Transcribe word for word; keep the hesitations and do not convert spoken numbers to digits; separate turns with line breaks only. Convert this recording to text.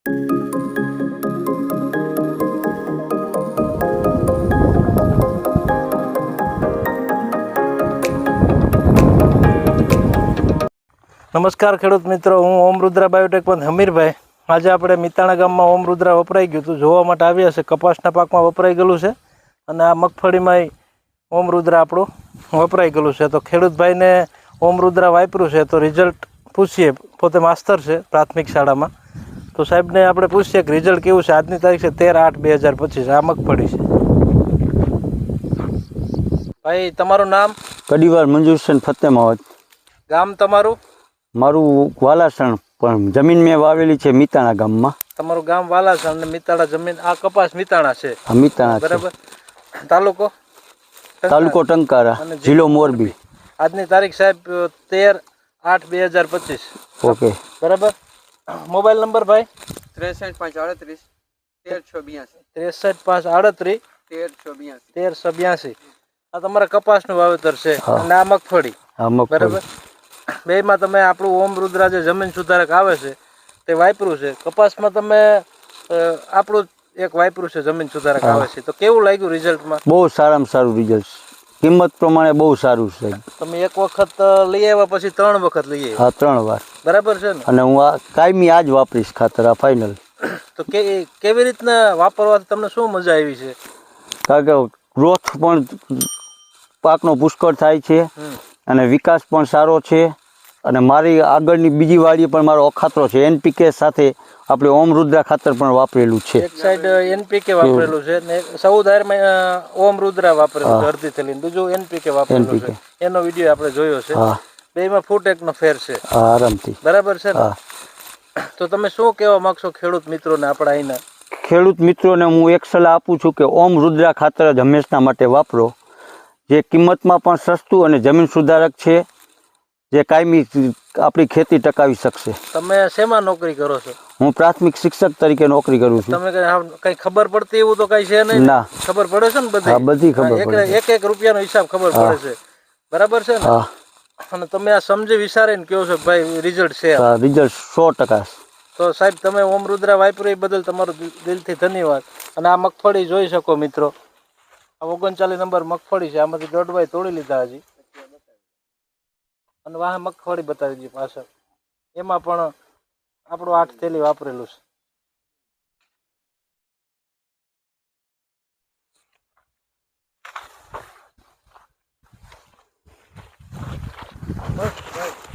નમસ્કાર ખેડૂત મિત્રો, હું ઓમ રુદ્રા બાયોટેક પણ હમીરભાઈ. આજે આપણે મિતાણા ગામમાં ઓમ રુદ્રા વપરાઈ ગયું હતું જોવા માટે આવ્યા છે. કપાસના પાકમાં વપરાઈ ગયેલું છે અને આ મગફળીમાં ઓમ રુદ્રા આપણું વપરાઈ ગયેલું છે. તો ખેડૂતભાઈને ઓમ રુદ્રા વાપર્યું છે તો રિઝલ્ટ પૂછીએ. પોતે માસ્તર છે પ્રાથમિક શાળામાં. તો સાહેબને આપણે પૂછીએ કે રિઝલ્ટ કેવું છે. આજની તારીખ છે તેર આઠ બે હજાર પચીસ. આ મગફળી છે. ભાઈ તમારું નામ?
કડીવાર મંજુરસન ફતેમાવત.
ગામ તમારું?
મારું વાલાસણ, પણ જમીન મેં વાવેલી છે મિતાણા ગામમાં.
તમારું ગામ વાલાસણ અને મિતાણા જમીન. આ કપાસ મિતાણા છે?
મિતાણા
બરાબર. તાલુકો?
તાલુકો ટંકારા, જિલ્લો મોરબી.
આજની તારીખ સાહેબ તેર આઠ બે હજાર પચીસ.
ઓકે
બરાબર. મોબાઈલ નંબર ભાઈ?
ત્રેસઠ પાંચ આડત્રીસ તેરસો બ્યાસી.
ત્રેસઠ પાંચ આડત્રીસ
તેરસો બ્યાસી.
તેરસો બ્યાસી. આ તમારા કપાસનું વાવેતર છે અને આ મગફળી. બરાબર. બેમાં તમે આપણું ઓમ રુદ્રા જે જમીન સુધારક આવે છે તે વાપર્યું છે. કપાસમાં તમે આપણું એક વાપર્યું છે જમીન સુધારક આવે છે. તો કેવું લાગ્યું રિઝલ્ટમાં?
બહુ સારામાં સારું રિઝલ્ટ. કિંમત પ્રમાણે બહુ સારું છે.
તમે એક વખત લઈ આવ્યા પછી ત્રણ વખત લઈ આવ્યા?
હા, ત્રણ વાર.
બરાબર છે ને?
અને હું આ કાયમી આ જ વાપરીશ ખાતર, આ ફાઇનલ.
તો કે કેવી રીતના વાપરવાથી તમને શું મજા આવી છે?
કારણ કે ગ્રોથ પણ પાકનો પુષ્કળ થાય છે અને વિકાસ પણ સારો છે. અને મારી આગળની બીજી વાડીએ પણ મારો અખાતરો છે. એનપીકે સાથે આપણે ઓમ રુદ્રા ખાતર પણ વાપરેલું છે.
એક સાઈડ એનપીકે વાપરેલું છે ને ચૌદ હારમાં ઓમ રુદ્રા વાપરેલું છે અડધી થેલી. બીજું એનપીકે વાપરેલું છે. એનો વિડીયો આપણે જોયો છે. બેમાં ફૂટ એકનો ફેર છે
આરામથી.
બરાબર છે ને? તો તમે શું કહેવા માંગશો ખેડૂત મિત્રોને આપણા અહીંના?
ખેડૂત મિત્રોને હું એક સલાહ આપું છું કે ઓમ રુદ્રા ખાતર જ હંમેશા માટે વાપરો. જે કિંમતમાં પણ સસ્તું અને જમીન સુધારક છે, જે કાયમી આપણી ખેતી ટકાવી શકશે.
તમે શેમાં નોકરી કરો છો?
હું પ્રાથમિક શિક્ષક તરીકે નોકરી કરું છું.
તમે કઈ ખબર પડતી એવું તો કઈ છે નહીં?
ના.
ખબર પડે છે ને બધી?
હા, બધી ખબર પડે.
એક એક રૂપિયાનો હિસાબ ખબર પડે છે. બરાબર છે ને? અને તમે આ સમજી વિચારીને કહો છો ભાઈ રિઝલ્ટ છે?
રિઝલ્ટ સો ટકા.
તો સાહેબ તમે ઓમ રુદ્રા વાપર્યું એ બદલ તમારો દિલથી ધન્યવાદ. અને આ મગફળી જોઈ શકો મિત્રો. આ ઓગણચાલીસ નંબર મગફળી છે. આમાંથી દોઢવાય તોડી લીધા હજી. અને વાહ મગફળી બતાવી દીધી પાછળ. એમાં પણ આપણું આઠ થેલી વાપરેલું છે. બસ